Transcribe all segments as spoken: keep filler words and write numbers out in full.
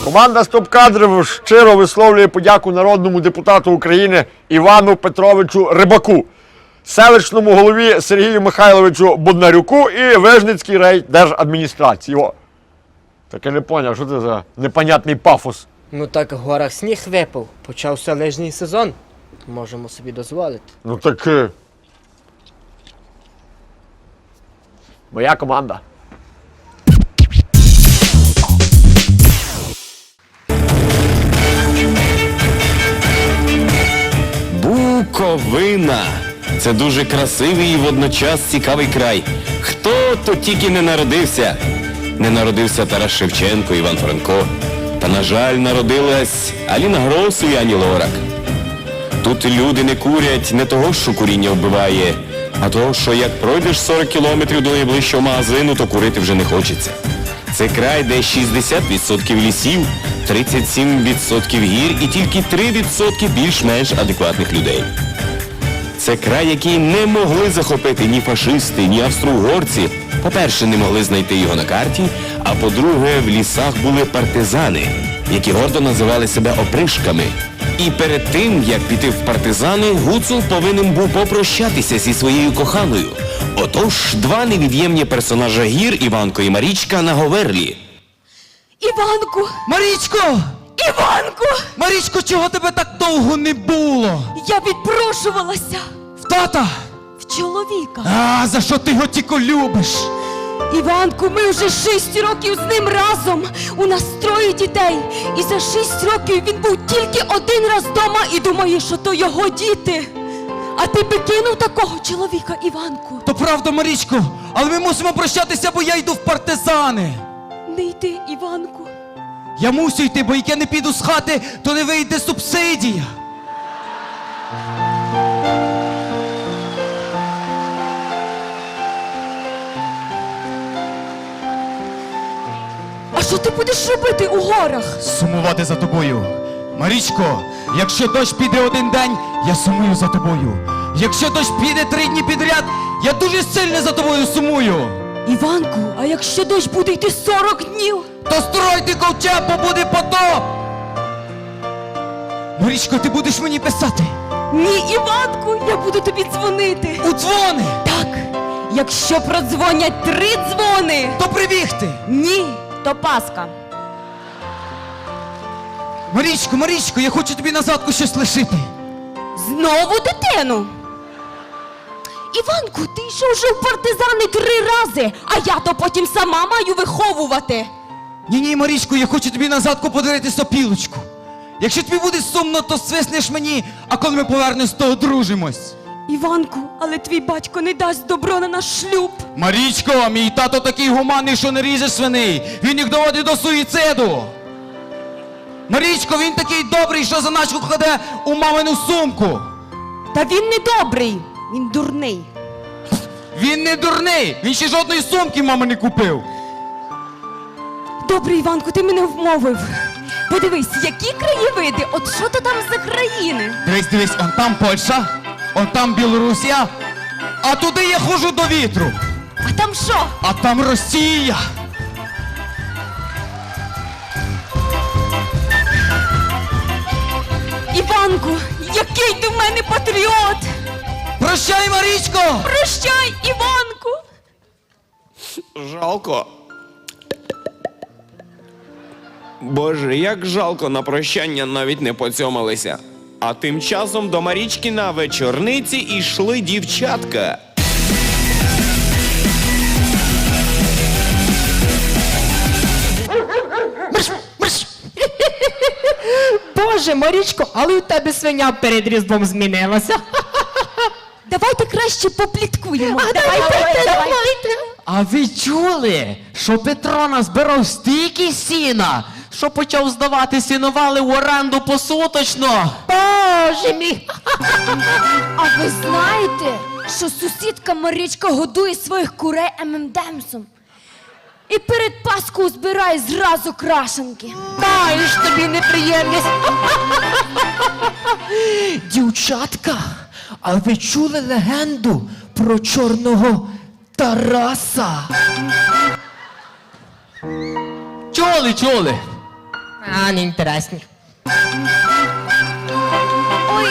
Команда «Стоп-кадрів» щиро висловлює подяку народному депутату України Івану Петровичу Рибаку, селищному голові Сергію Михайловичу Боднарюку і Вижницькій райдержадміністрації. О, так я не поняв, що це за непонятний пафос. Ну так в горах сніг випав, почався лижний сезон. Можемо собі дозволити. Ну так... е, Моя команда. Буковина. Це дуже красивий і водночас цікавий край. Хто тут тільки не народився? Не народився Тарас Шевченко, Іван Франко. Та, на жаль, народилась Аліна Гросу і Ані Лорак. Тут люди не курять не того, що куріння вбиває, а того, що як пройдеш сорок кілометрів до найближчого магазину, то курити вже не хочеться. Це край, де шістдесят відсотків лісів, тридцять сім відсотків гір і тільки три відсотки більш-менш адекватних людей. Це край, який не могли захопити ні фашисти, ні австро-угорці. По-перше, не могли знайти його на карті, а по-друге, в лісах були партизани, які гордо називали себе опришками. І перед тим, як піти в партизани, Гуцул повинен був попрощатися зі своєю коханою. Отож, два невід'ємні персонажа гір, Іванко і Марічка, на Говерлі. Іванку! Марічко! Іванку! Марічко, чого тебе так довго не було? Я відпрошувалася В тата! в чоловіка. А, за що ти його тільки любиш? Іванку, ми вже шість років з ним разом. У нас троє дітей. І за шість років він був тільки один раз вдома і думає, що то його діти. А ти би кинув такого чоловіка, Іванку? То правда, Марічко, але ми мусимо прощатися, бо я йду в партизани. Не йди, Іванку. Я мусю йти, бо як я не піду з хати, то не вийде субсидія. А що ти будеш робити у горах? Сумувати за тобою. Марічко, якщо дощ піде один день, я сумую за тобою. Якщо дощ піде три дні підряд, я дуже сильно за тобою сумую. Іванку, а якщо дощ буде йти сорок днів? То стройте ковчег, бо буде потоп! Марічко, ти будеш мені писати? Ні, Іванку, я буду тобі дзвонити. У дзвони! Так, якщо продзвонять три дзвони. То прибігти! Ні, то Паска. Марічко, Марічко, я хочу тобі назадку щось лишити. Знову дитину? Іванку, ти йшов вже в партизани три рази, а я то потім сама маю виховувати. Ні-ні, Марічко, я хочу тобі назадку подарити сопілочку. Якщо тобі буде сумно, то свиснеш мені, а коли ми повернемось, то одружимось. Іванку, але твій батько не дасть добро на наш шлюб. Марічко, мій тато такий гуманний, що не ріже свиней. Він їх доводить до суїциду. Марічко, він такий добрий, що заначку кладе у мамину сумку. Та він не добрий, він дурний. Він не дурний, він ще жодної сумки мама не купив. Добре, Іванку, ти мене вмовив. Подивись, які краєвиди, от що то там за країни? Дивись, дивись, он там Польща, он там Білорусія, а туди я ходжу до вітру. А там що? А там Росія. Іванку, який ти в мене патріот! Прощай, Марічко! Прощай, Іванку! Жалко. Боже, як жалко, на прощання навіть не поцьомалися. А тим часом до Марічки на вечорниці йшли дівчатка. Боже, Марічко, але у тебе свиня перед Різдвом змінилася. Давайте краще попліткуємо. А, давайте, давайте. А ви чули, що Петро назбирав стільки сіна, що почав здавати сіновали в оренду посуточно? Боже мій! А ви знаєте, що сусідка Марічка годує своїх курей ем ем демсом? І перед Паскою збирає зразу крашенки. Маєш тобі неприємність. Дівчатка, а ви чули легенду про чорного Тараса? Чули, чули. А, не інтересні. Ой.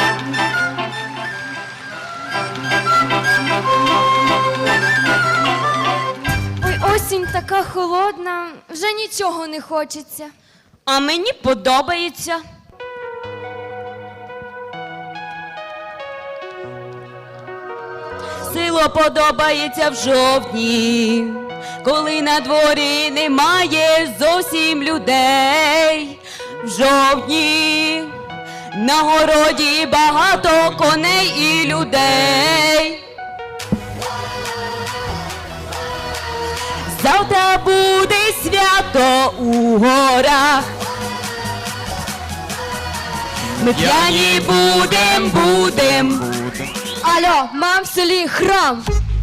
Ой, осінь така холодна, вже нічого не хочеться. А мені подобається. Село подобається в жовтні, коли на дворі немає зовсім людей. В жовтні на городі багато коней і людей. Завтра буде свято у горах. Ми п'яні будем, будем. Алло, мам, в селі храм.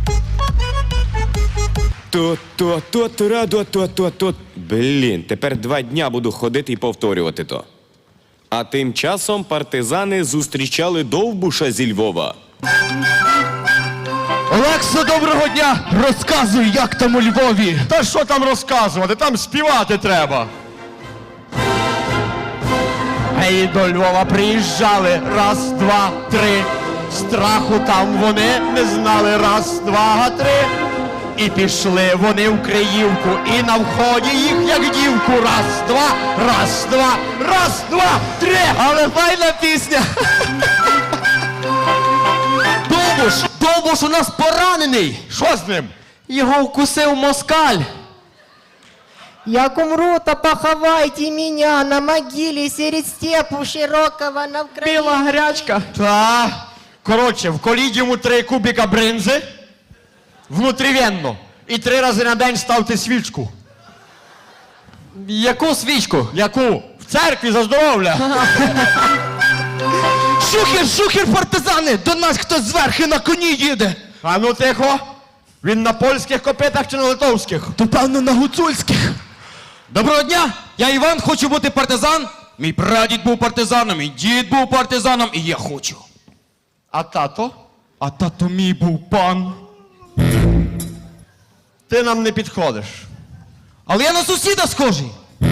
То, то, то, то, то, то, то, то. Блін, тепер два дня буду ходити і повторювати то. А тим часом партизани зустрічали Довбуша зі Львова. Олекса, доброго дня! Розказуй, як там у Львові. Та що там розказувати? Там співати треба. Ей, до Львова приїжджали. Раз, два, три. Страху там вони не знали. Раз, два, три. І пішли вони в Криївку. І на вході їх, як дівку. Раз, два, раз, два, раз, два, три. Але файна пісня! Довбуш! Довбуш у нас поранений! Що з ним? Його вкусив москаль! Як умру, то поховайте меня на могиле серед степу широкого на Украине. Біла грячка! Та, коротше, в колідіуму три кубика бринзи, внутрівенно, і три рази на день ставте свічку. Яку свічку? Яку? В церкві за здоров'я. Шухер, шухер, партизани! До нас хтось зверхи на коні їде! А ну тихо. Він на польських копитах чи на литовських? То певно на гуцульських. Доброго дня! Я Іван, хочу бути партизан. Мій прадід був партизаном, мій дід був партизаном, і я хочу. А тато? А тато мій був пан. Ти нам не підходиш. Але я на сусіда схожий.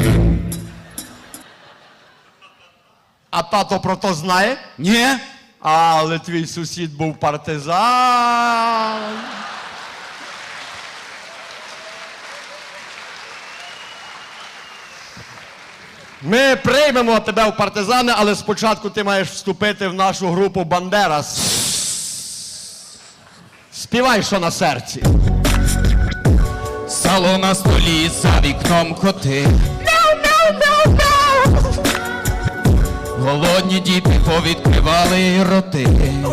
А тато про то знає? Ні. Але твій сусід був партизан. Ми приймемо тебе в партизани, але спочатку ти маєш вступити в нашу групу Бандерас. Співай, що на серці. Сало на столі, за вікном коти. Голодні діти повідкривали роти.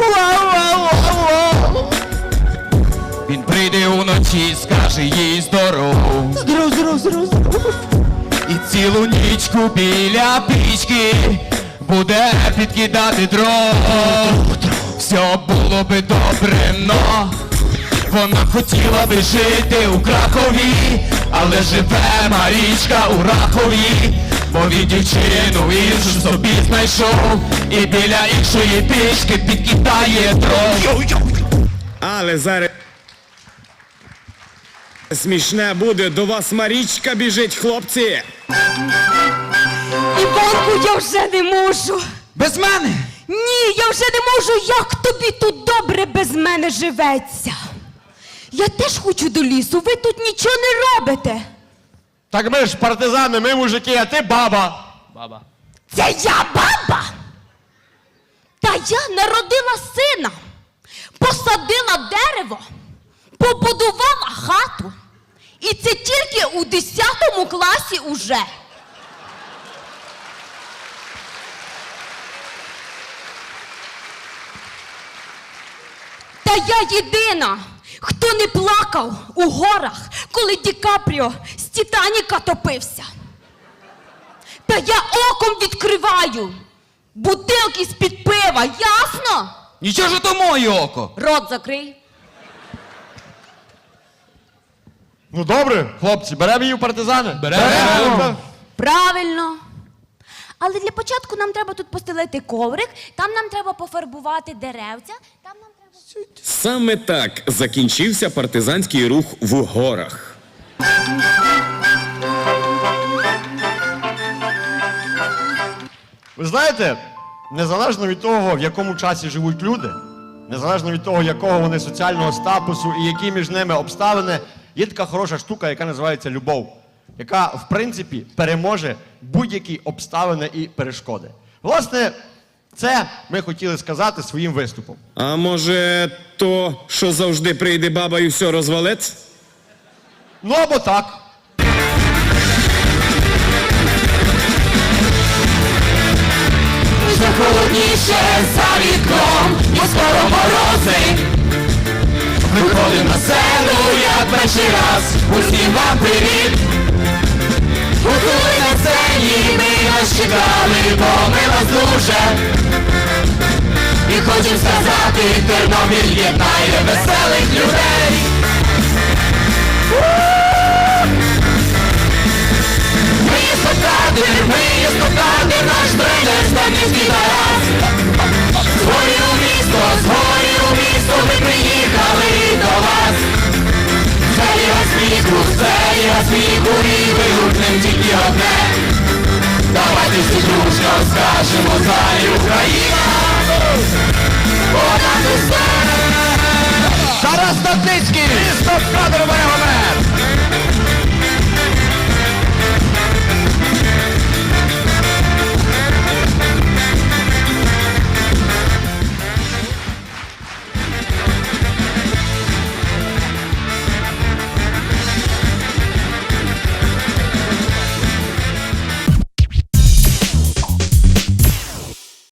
Він прийде уночі, скаже їй здоров. Здоров, здоров, здоров, здоров. І цілу нічку біля пічки буде підкидати дров. Все було би добре, но вона хотіла би жити у Кракові, але живе Марічка у Рахові, бо він дівчину іншу собі знайшов і біля іншої пічки підкидає дров. Але зараз смішне буде, до вас Марічка біжить, хлопці. Іванку, я вже не можу. Без мене! Ні, я вже не можу. Як тобі тут добре без мене живеться? Я теж хочу до лісу, ви тут нічого не робите. Так ми ж партизани, ми мужики, а ти баба. Це я баба? Та я народила сина, посадила дерево, побудувала хату. І це тільки у десятому класі уже. Та я єдина, хто не плакав у горах, коли Ді Капріо з Титаніка топився. Та я оком відкриваю бутилки з-під пива, ясно? Нічого ж то моє око! Рот закрий. Ну добре, хлопці, беремо її в партизани? Беремо. Правильно. Але для початку нам треба тут постелити коврик, там нам треба пофарбувати деревця, там нам треба... Саме так закінчився партизанський рух в горах. Ви знаєте, незалежно від того, в якому часі живуть люди, незалежно від того, якого вони соціального статусу і які між ними обставини, є така хороша штука, яка називається любов, яка, в принципі, переможе будь-які обставини і перешкоди. Власне, це ми хотіли сказати своїм виступом. А може, то, що завжди прийде баба і все розвалить? Ну або так. Вже холодніше за вікном, і скоро морози. Виходимо на сцену, як перший раз, усім вам привіт. Готули на сцені, ми вас чекали, бо ми вас дуже. І хочем сказати, Тернопіль єднає веселих людей. Ми є спектакль, ми є спектакль, наш тренер Станівський Тарас. З горі у місто, з горі у місто, ми приїхали до вас. Це ліга сміху, це ліга сміху, і вигукнем тільки одне. Давайте всі дружно скажемо в залі Україна. Понад усе! Тарас Стадницький! Місто кадрове